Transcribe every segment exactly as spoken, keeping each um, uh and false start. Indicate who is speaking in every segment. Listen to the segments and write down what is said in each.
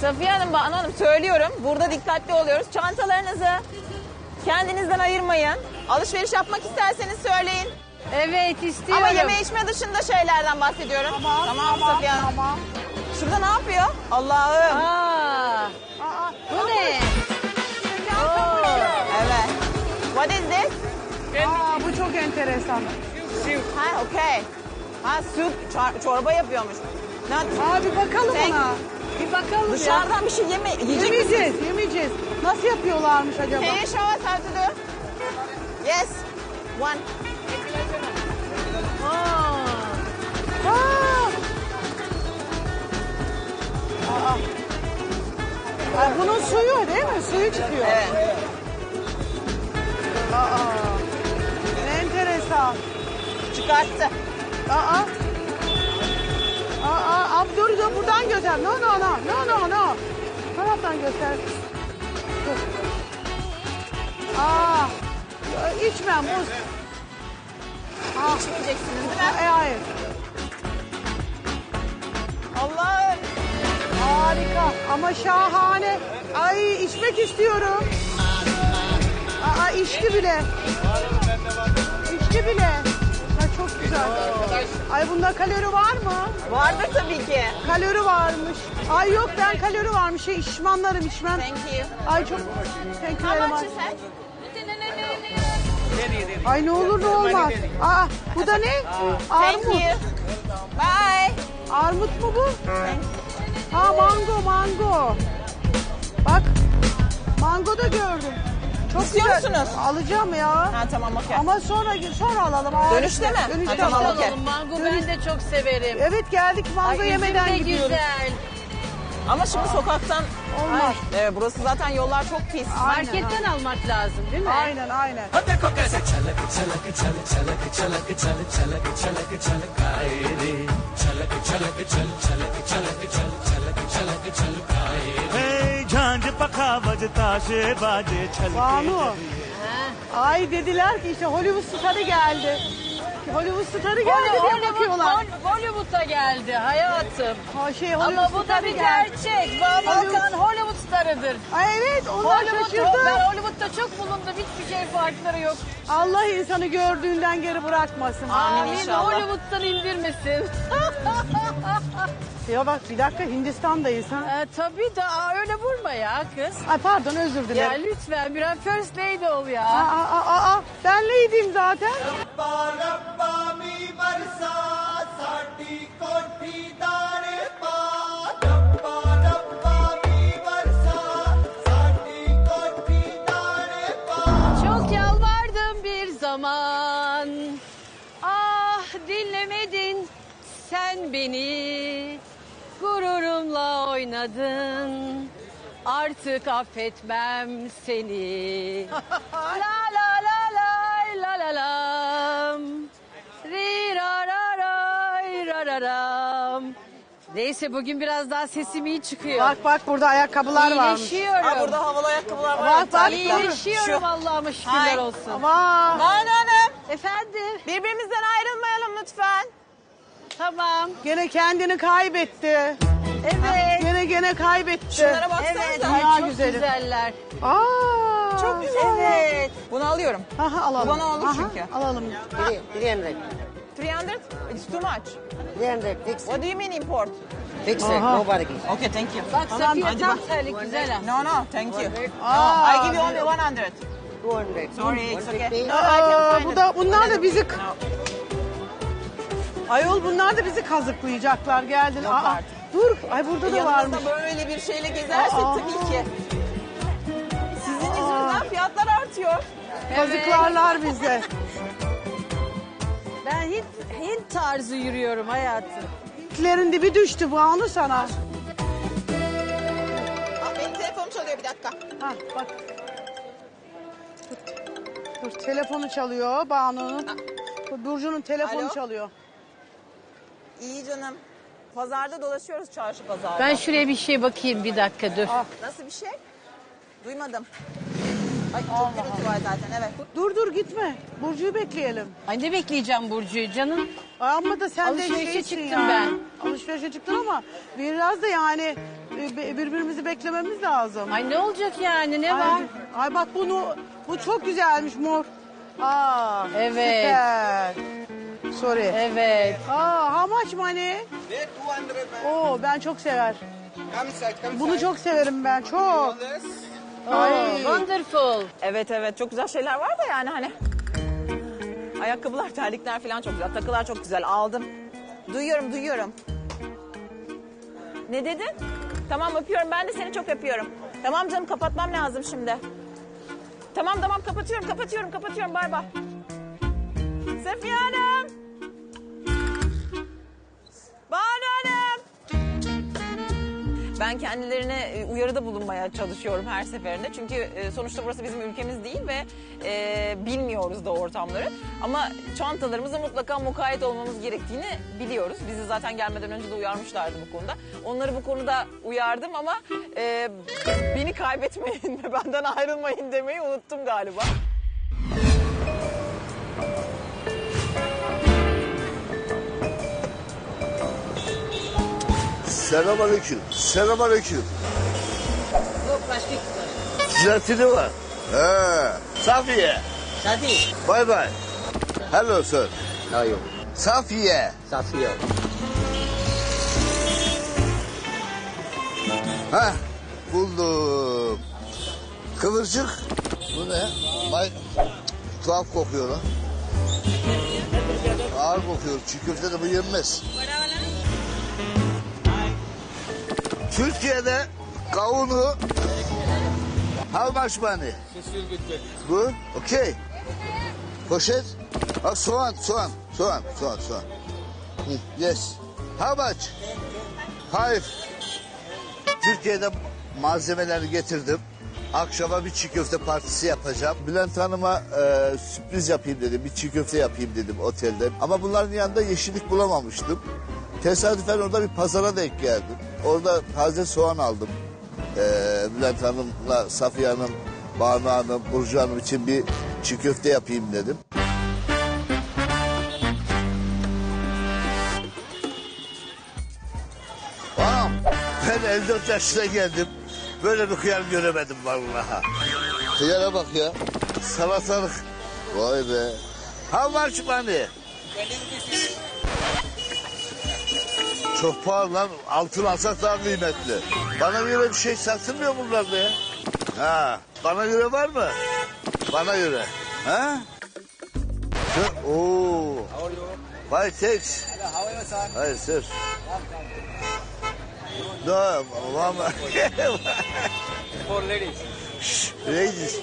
Speaker 1: Safiye Hanım, Banu Hanım söylüyorum. Burada dikkatli oluyoruz. Çantalarınızı kendinizden ayırmayın. Alışveriş yapmak isterseniz söyleyin.
Speaker 2: Evet istiyorum.
Speaker 1: Ama yeme içme dışında şeylerden bahsediyorum.
Speaker 2: Tamam,
Speaker 1: tamam,
Speaker 2: tamam,
Speaker 1: Safiye Hanım.
Speaker 2: tamam.
Speaker 1: Şurada ne yapıyor? Allah'ım.
Speaker 2: Aa,
Speaker 1: Aa,
Speaker 2: bu ne?
Speaker 1: Oo, evet. What is this?
Speaker 2: Aa, bu çok enteresan.
Speaker 1: Ha, okay. Ha, süt, çor- çorba yapıyormuş. Ne?
Speaker 2: Abi bakalım
Speaker 1: Sen-
Speaker 2: ona. Bir bakalım ya.
Speaker 1: Dışarıdan bir şey yeme, yiyecek misin?
Speaker 2: Yemeyeceğiz, yemeyeceğiz. Nasıl yapıyorlarmış acaba?
Speaker 1: Can you show us how to do? Yes. One.
Speaker 2: Aa. Aa. Aa. Ay, bunun suyu değil mi? Suyu çıkıyor.
Speaker 1: Evet.
Speaker 2: Aa. Ne enteresan.
Speaker 1: Çıkarttı.
Speaker 2: Aa. Aa, abi dur dur buradan göster. No no no. No no no. Taraftan göster. Dur. Aa. İçmem buz. Aa.
Speaker 1: İçmeyeceksiniz değil mi?
Speaker 2: E, hayır.
Speaker 1: Allah'ım.
Speaker 2: Harika ama şahane. Ay içmek istiyorum. Aa içti bile. İçti bile. Ay çok güzel. Ay bunda kalori var mı?
Speaker 1: Vardır tabii ki.
Speaker 2: Kalori varmış. Ay yok ben kalori varmış. Şey içmanlarım içmem.
Speaker 1: Thank you.
Speaker 2: Ay çok thank you
Speaker 1: How
Speaker 2: very
Speaker 1: much
Speaker 2: much.
Speaker 1: is that?
Speaker 2: Ay ne olur ne olmaz. Aa bu da ne?
Speaker 1: Thank
Speaker 2: Armut.
Speaker 1: you. Bye.
Speaker 2: Armut mu bu?
Speaker 1: Thank
Speaker 2: Ha mango mango. Bak mango da gördüm. Çok
Speaker 1: İstiyor
Speaker 2: güzel.
Speaker 1: musunuz?
Speaker 2: Alacağım ya.
Speaker 1: Ha tamam okey.
Speaker 2: Ama sonra sonra alalım. Aa,
Speaker 1: Dönüşte mi?
Speaker 2: Dönüşte
Speaker 1: Ha, tamam,
Speaker 2: alalım.
Speaker 1: okey.
Speaker 3: Mango
Speaker 2: Dönüş-
Speaker 3: ben de çok severim.
Speaker 2: Evet geldik mango
Speaker 3: Ay, üzüm
Speaker 2: yemeden
Speaker 3: de
Speaker 2: gidiyoruz.
Speaker 3: güzel.
Speaker 1: Ama şimdi sokaktan...
Speaker 2: Olmaz.
Speaker 1: Ay, evet, burası zaten yollar çok pis.
Speaker 2: Aynen,
Speaker 3: Marketten almak lazım değil mi?
Speaker 2: Aynen aynen.
Speaker 4: देखो कैसे छलक छलक छल छलक छलक छल छलक छलक छलकाए रे छलक छलक छल छलक छलक छल छलक छलक छलकाए रे झांझ पखा बजता से बाजे छलके
Speaker 2: Banu.
Speaker 3: Ha.
Speaker 2: Ay dediler ki işte Hollywood starı geldi. Hollywood starı geldi diye
Speaker 3: Hollywood,
Speaker 2: bakıyorlar.
Speaker 3: Hol- Hollywood'a geldi hayatım.
Speaker 2: Ha, şey, Hollywood
Speaker 3: Ama bu da
Speaker 2: starı
Speaker 3: bir
Speaker 2: geldi.
Speaker 3: gerçek. Banu
Speaker 2: Hollywood-
Speaker 3: Hakan Hollywood starıdır.
Speaker 2: Ay evet onlar
Speaker 3: Hollywood,
Speaker 2: şaşırdı.
Speaker 3: ben Hollywood'da çok bulundum. Hiçbir şey farkları yok.
Speaker 2: Allah insanı gördüğünden geri bırakmasın.
Speaker 1: Amin inşallah.
Speaker 3: Hollywood'dan indirmesin.
Speaker 2: Ya bak bir dakika Hindistan'dayız ha.
Speaker 3: e, tabii da aa, öyle vurma ya kız.
Speaker 2: Ay pardon özür
Speaker 3: Ya
Speaker 2: dilerim.
Speaker 3: lütfen biraz first lady ol ya.
Speaker 2: Aa, aa, aa, aa, ben neydim zaten?
Speaker 3: Çok yalvardım bir zaman. Ah dinlemedin sen beni. Gururumla oynadın. Artık affetmem seni. La la la la la la lam. Ri ra ra ray ra ra ram. Neyse bugün biraz daha sesim iyi çıkıyor.
Speaker 2: Bak bak burada ayakkabılar varmış.
Speaker 3: İyileşiyorum.
Speaker 1: Ha, burada havalı ayakkabılar var.
Speaker 2: Bak, bak,
Speaker 3: İyileşiyorum Allah'ıma şükürler
Speaker 1: Ay.
Speaker 3: olsun.
Speaker 2: Ama
Speaker 1: Banu Hanım,
Speaker 3: Efendim?
Speaker 1: birbirimizden ayrılmayalım lütfen.
Speaker 3: Tamam.
Speaker 2: gene kendini kaybetti.
Speaker 3: Evet.
Speaker 2: Gene gene kaybetti.
Speaker 1: Şunlara baksanıza.
Speaker 3: Evet.
Speaker 2: Dünya
Speaker 3: Ay, çok
Speaker 2: güzeli.
Speaker 3: güzeller.
Speaker 2: Aa,
Speaker 1: Çok güzel. Evet. Bunu alıyorum.
Speaker 2: Aha, alalım.
Speaker 1: Bu bana olur
Speaker 2: Aha,
Speaker 1: çünkü.
Speaker 2: Alalım.
Speaker 5: three hundred.
Speaker 1: three hundred? It's too much.
Speaker 5: three hundred. Fix it.
Speaker 1: What do you mean import?
Speaker 5: Fix it.
Speaker 2: Aha.
Speaker 5: No bargain.
Speaker 1: Okay, thank you.
Speaker 3: Bak Safiye
Speaker 1: hadi
Speaker 3: tam
Speaker 1: bak.
Speaker 3: terlik güzel ha.
Speaker 1: No, no, thank you.
Speaker 2: Aa,
Speaker 1: No, I give you only one hundred.
Speaker 5: two hundred.
Speaker 1: Sorry, it's okay.
Speaker 5: one fifty.
Speaker 1: No, I can
Speaker 2: Aa,
Speaker 1: find
Speaker 2: bu
Speaker 1: it.
Speaker 2: da bunlar da bizi
Speaker 1: No.
Speaker 2: ayol bunlar da bizi kazıklayacaklar geldin.
Speaker 1: Yok
Speaker 2: Aa,
Speaker 1: artık.
Speaker 2: dur. Ay burada da varmış.
Speaker 1: Yanınızda böyle bir şeyle gezersek
Speaker 2: Aa.
Speaker 1: tabii ki. Sizin yüzünüzden fiyatlar artıyor.
Speaker 2: Kazıklarlar bizi.
Speaker 3: Ben Hint, Hint tarzı yürüyorum hayatım.
Speaker 2: Hintlerin dibi düştü Banu sana.
Speaker 1: Aa, benim telefonum çalıyor bir dakika.
Speaker 2: Ha bak. Dur, dur telefonu çalıyor Banu'nun. Burcu'nun telefonu
Speaker 1: Alo?
Speaker 2: çalıyor.
Speaker 1: İyi canım. Pazarda dolaşıyoruz, çarşı pazarda.
Speaker 3: Ben şuraya bir şey bakayım bir dakika dur.
Speaker 2: Ah.
Speaker 1: Nasıl bir şey? Duymadım. Ay çok gürültü var zaten evet.
Speaker 2: Dur dur gitme. Burcu'yu bekleyelim.
Speaker 3: Ay ne bekleyeceğim Burcu'yu canım?
Speaker 2: Ay ama da sen de
Speaker 3: Alışverişe
Speaker 2: şeysin
Speaker 3: çıktım
Speaker 2: ya.
Speaker 3: ben.
Speaker 2: Alışverişe çıktın ama biraz da yani e, bi- birbirimizi beklememiz lazım.
Speaker 3: Ay ne olacak yani ne
Speaker 2: Ay,
Speaker 3: var?
Speaker 2: ay bak bunu bu çok güzelmiş mor. Aa,
Speaker 3: Evet.
Speaker 2: Süper. Sorry.
Speaker 3: Evet.
Speaker 2: Aa, how much money? Oo, ben çok sever. Bunu çok severim ben çok. Ay.
Speaker 3: Oh, wonderful.
Speaker 1: Evet evet çok güzel şeyler var da yani hani. Ayakkabılar, terlikler falan çok güzel. Takılar çok güzel. Aldım. Duyuyorum, duyuyorum. Ne dedin? Tamam öpüyorum. Ben de seni çok öpüyorum. Tamam canım kapatmam lazım şimdi. Tamam tamam kapatıyorum, kapatıyorum, kapatıyorum. Bay bay. Safiye Hanım. Banu Hanım. Ben kendilerine e, uyarıda bulunmaya çalışıyorum her seferinde. Çünkü e, sonuçta burası bizim ülkemiz değil ve e, bilmiyoruz da ortamları. Ama çantalarımıza mutlaka mukayyet olmamız gerektiğini biliyoruz. Bizi zaten gelmeden önce de uyarmışlardı bu konuda. Onları bu konuda uyardım ama e, beni kaybetmeyin ve benden ayrılmayın demeyi unuttum galiba.
Speaker 6: Selamünaleyküm. Selamünaleyküm.
Speaker 5: Yok başka kız.
Speaker 6: Zeytini var. He. Safiye.
Speaker 5: Hadi.
Speaker 6: Bye bye. Hello sir.
Speaker 5: Hayır.
Speaker 6: Safiye.
Speaker 5: Safiye.
Speaker 6: Ha, buldum. Kıvırcık. Bu ne? Bay... Tuhaf kokuyor lan. Ağır kokuyor. Çiğ köfte de bu yenmez. Türkiye'de kavunu how much money? Bu? Okay. Poşet. Ha, soğan, soğan, soğan, soğan, soğan. Hı, yes. How much? Five. Türkiye'de malzemeleri getirdim. Akşama bir çiğ köfte partisi yapacağım. Bülent Hanım'a e, sürpriz yapayım dedim. Bir çiğ köfte yapayım dedim otelde. Ama bunların yanında yeşillik bulamamıştım. Tesadüfen orada bir pazara denk geldim. Orada taze soğan aldım. E, Bülent Hanım'la Safiye Hanım, Banu Hanım, Burcu Hanım için bir çiğ köfte yapayım dedim. Anam, ben elli dört yaşına geldim. Böyle bir hıyar göremedim vallahi. Hıyara bak ya. Salatalık. Vay be. How much money? Çok pahalı lan. Altın alsak daha kıymetli. Bana göre bir şey satılmıyor bunlarda ya. Ha, bana göre var mı? Bana göre. Ha? Şu- Oo. Why thanks? Hayır sir. No, mama.
Speaker 7: For ladies.
Speaker 6: Şşş, ladies.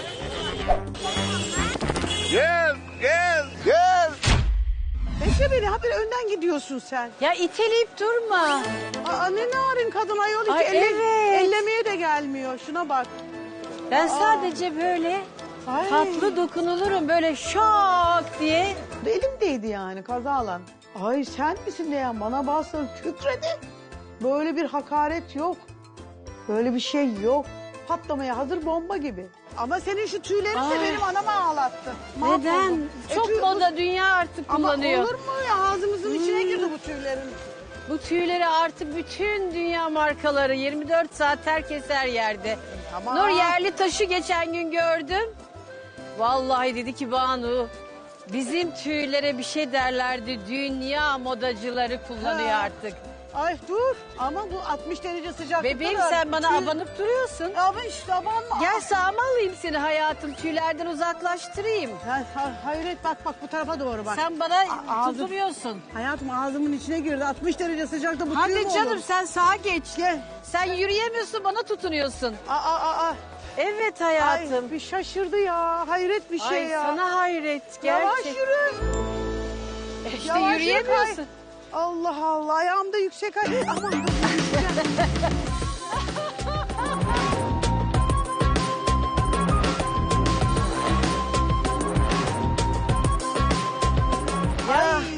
Speaker 6: Gel, gel, gel.
Speaker 2: Bekle beni, habire önden gidiyorsun sen.
Speaker 3: Ya iteleyip durma.
Speaker 2: Aa, ne narin kadın ayol, hiç
Speaker 3: Ay,
Speaker 2: elle-
Speaker 3: evet.
Speaker 2: ellemeye de gelmiyor. Şuna bak.
Speaker 3: Ben sadece böyle
Speaker 2: Ay.
Speaker 3: tatlı dokunulurum böyle şak diye.
Speaker 2: Elimdeydi yani kazalan. Ay sen misin de ya, bana bastın kükredi. Böyle bir hakaret yok. Böyle bir şey yok. Patlamaya hazır bomba gibi. Ama senin şu tüylerin de
Speaker 3: Ay.
Speaker 2: benim anamı ağlattı. Mahvoldum.
Speaker 3: Neden?
Speaker 2: E,
Speaker 3: Çok
Speaker 2: tüy-
Speaker 3: moda dünya artık
Speaker 2: Ama
Speaker 3: kullanıyor.
Speaker 2: olur mu ya, ağzımızın içine girdi bu tüylerin.
Speaker 3: Bu tüyleri artık bütün dünya markaları yirmi dört saat herkes her yerde.
Speaker 2: Tamam.
Speaker 3: Nur Yerlitaş'ı geçen gün gördüm. Vallahi dedi ki Banu bizim tüylere bir şey derlerdi. Dünya modacıları kullanıyor
Speaker 2: Ha.
Speaker 3: artık.
Speaker 2: Ay dur, ama bu altmış derece sıcaklıkta.
Speaker 3: Bebeğim
Speaker 2: da
Speaker 3: sen bana
Speaker 2: tüy-
Speaker 3: abanıp duruyorsun.
Speaker 2: Ama işte abanma.
Speaker 3: Gel sağıma alayım seni hayatım tüylerden uzaklaştırayım.
Speaker 2: Ha, ha, hayret bak bak bu tarafa doğru bak.
Speaker 3: Sen bana
Speaker 2: A- ağzım-
Speaker 3: tutuluyorsun.
Speaker 2: Hayatım ağzımın içine girdi. altmış derece sıcakta bu tüy
Speaker 3: Hadi
Speaker 2: mü
Speaker 3: canım
Speaker 2: olur?
Speaker 3: sen sağa geç.
Speaker 2: Gel.
Speaker 3: Sen yürüyemiyorsun bana tutunuyorsun.
Speaker 2: Aa, aa, aa.
Speaker 3: Evet
Speaker 2: Ay,
Speaker 3: hayatım.
Speaker 2: bir şaşırdı ya. Hayret bir şey
Speaker 3: Ay
Speaker 2: ya.
Speaker 3: sana hayret
Speaker 2: Yavaş
Speaker 3: gerçek.
Speaker 2: yürü.
Speaker 3: İşte
Speaker 2: Yavaş yürü,
Speaker 3: yürüyemiyorsun.
Speaker 2: kay. Allah Allah, ayağımda yüksek ay. Aman dur. Ay, senin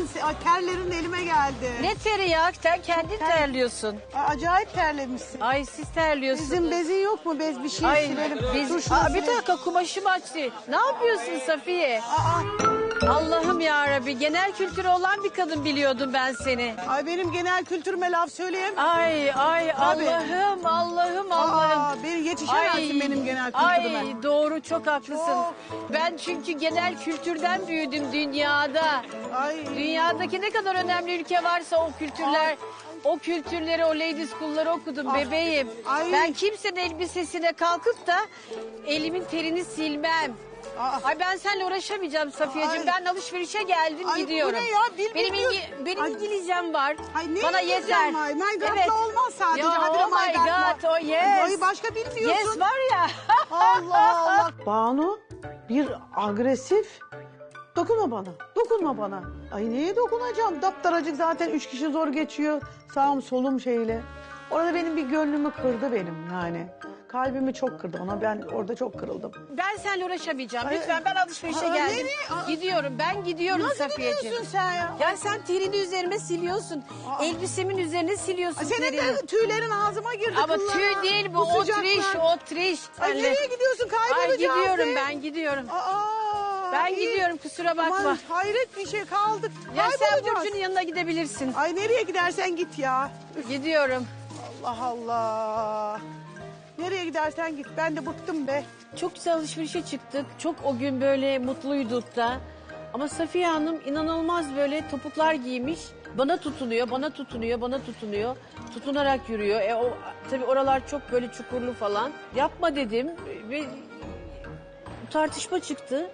Speaker 2: senin ay, terlerin elime geldi.
Speaker 3: Ne teri ya? Sen kendin terliyorsun.
Speaker 2: Ay, acayip terlemişsin.
Speaker 3: Ay siz terliyorsunuz.
Speaker 2: Bizim bezin yok mu? Bez bir şey
Speaker 3: Ay
Speaker 2: silelim.
Speaker 3: biz,
Speaker 2: Dur şunu
Speaker 3: Aa, bir
Speaker 2: silelim.
Speaker 3: dakika kumaşım açtı. Ne yapıyorsun Safiye?
Speaker 2: Aa,
Speaker 3: Allah'ım ya Rabbi, genel kültürü olan bir kadın biliyordum ben seni.
Speaker 2: ay benim genel kültürüme laf söyleyeyim.
Speaker 3: Ay ay
Speaker 2: Tabii.
Speaker 3: Allah'ım Allah'ım Allah'ım.
Speaker 2: Aa, beni yetişemezsin benim genel kültürüme.
Speaker 3: Ay doğru, çok haklısın.
Speaker 2: Çok.
Speaker 3: Ben çünkü genel kültürden büyüdüm dünyada.
Speaker 2: Ay.
Speaker 3: Dünyadaki ne kadar önemli ülke varsa o kültürler, o kültürleri, o ladies school'ları okudum
Speaker 2: Ah.
Speaker 3: bebeğim.
Speaker 2: Ay.
Speaker 3: Ben kimsenin elbisesine kalkıp da elimin terini silmem.
Speaker 2: Aa.
Speaker 3: Ay ben seninle uğraşamayacağım Safiyeciğim.
Speaker 2: Ay.
Speaker 3: Ben alışverişe geldim
Speaker 2: Ay, bu
Speaker 3: gidiyorum.
Speaker 2: ne ya? Dil
Speaker 3: benim
Speaker 2: bilmiyorsun.
Speaker 3: İngi- benim
Speaker 2: Ay.
Speaker 3: İngilizcem var.
Speaker 2: Ay, ne
Speaker 3: Bana
Speaker 2: İngilizcen
Speaker 3: yeter.
Speaker 2: var? My God'la olmaz sadece.
Speaker 3: Ya,
Speaker 2: Habire
Speaker 3: oh my
Speaker 2: my God.
Speaker 3: God, oh yes.
Speaker 2: Ay başka bilmiyorsun.
Speaker 3: Yes var ya.
Speaker 2: Allah Allah. Banu bir agresif. Dokunma bana. Dokunma bana. Ay neye dokunacağım? Daptaracık zaten üç kişi zor geçiyor. Sağım solum şeyle. Orada benim bir gönlümü kırdı benim yani. Kalbimi çok kırdı ona. Ben orada çok kırıldım.
Speaker 3: Ben seninle uğraşamayacağım.
Speaker 2: Ay.
Speaker 3: Lütfen ben alışverişe
Speaker 2: Aa,
Speaker 3: geldim.
Speaker 2: nereye? Aa.
Speaker 3: Gidiyorum ben gidiyorum
Speaker 2: Nasıl
Speaker 3: Safiyeciğim.
Speaker 2: gidiyorsun sen ya?
Speaker 3: Ya sen terini üzerime siliyorsun.
Speaker 2: Aa.
Speaker 3: Elbisemin üzerine siliyorsun
Speaker 2: Ay, senin
Speaker 3: terini.
Speaker 2: de tüylerin ağzıma girdi.
Speaker 3: Ama
Speaker 2: kıllara.
Speaker 3: tüy değil bu, o
Speaker 2: sıcaklar.
Speaker 3: triş, o triş.
Speaker 2: Ay
Speaker 3: Senle-
Speaker 2: nereye gidiyorsun?
Speaker 3: Ay
Speaker 2: Kaybolacağız.
Speaker 3: gidiyorum
Speaker 2: be.
Speaker 3: ben gidiyorum.
Speaker 2: Aa,
Speaker 3: Ben
Speaker 2: iyi.
Speaker 3: gidiyorum, kusura bakma.
Speaker 2: Aman hayret bir şey kaldık.
Speaker 3: Ya sen
Speaker 2: Kaybolacağız.
Speaker 3: Burcu'nun yanına gidebilirsin.
Speaker 2: Ay nereye gidersen git ya. Üf,
Speaker 3: Gidiyorum.
Speaker 2: Allah Allah. Nereye gidersen git. Ben de bıktım be.
Speaker 3: Çok güzel alışverişe çıktık. Çok o gün böyle mutluyduk da. Ama Safiye Hanım inanılmaz böyle topuklar giymiş. Bana tutunuyor, bana tutunuyor, bana tutunuyor. Tutunarak yürüyor. E o tabii oralar çok böyle çukurlu falan. Yapma dedim ve tartışma çıktı.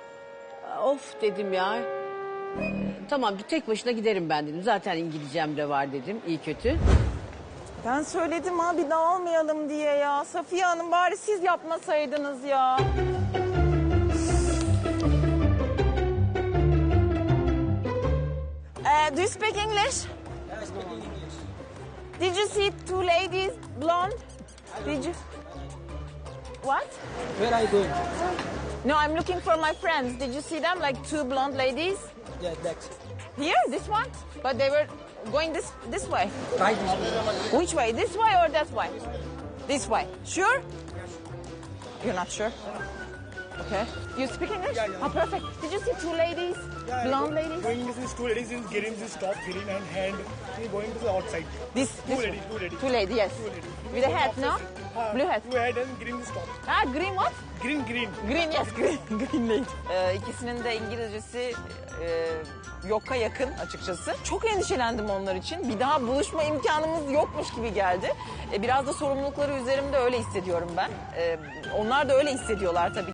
Speaker 3: Of dedim ya. Tamam tek başına giderim ben dedim. Zaten İngilizcem de var dedim, iyi kötü.
Speaker 1: Ben söyledim abi dağılmayalım diye ya. Safiye Hanım bari siz yapmasaydınız ya. Uh, do you speak English? Did you see two ladies, blonde? Did you? What?
Speaker 7: Where are you going?
Speaker 1: No, I'm looking for my friends. Did you see them, like two blonde ladies?
Speaker 7: Yeah, that's
Speaker 1: Here, this one? But they were going this this way.
Speaker 7: right this way.
Speaker 1: Which way? This way or that way? This way. Sure? You're not sure? Okay. You speak English?
Speaker 8: Yeah, yeah.
Speaker 1: Oh, perfect. Did you see two ladies?
Speaker 8: Yeah,
Speaker 1: Blonde
Speaker 8: go-
Speaker 1: ladies?
Speaker 8: Going this is two ladies is getting this top green and hand. She going to the outside.
Speaker 1: This,
Speaker 8: Two
Speaker 1: this
Speaker 8: ladies, two ladies.
Speaker 1: Two ladies, yes.
Speaker 8: Two ladies.
Speaker 1: With a hat, no?
Speaker 8: Uh,
Speaker 1: Blue hat.
Speaker 8: Blue hat and green this top.
Speaker 1: Ah, green what?
Speaker 8: Green, green.
Speaker 1: Green, yes, green. Green lady. Ee, ikisinin de İngilizcesi e, yoka yakın açıkçası. Çok endişelendim onlar için. Bir daha buluşma imkanımız yokmuş gibi geldi. E, biraz da sorumlulukları üzerimde öyle hissediyorum ben. E, onlar da öyle hissediyorlar tabii.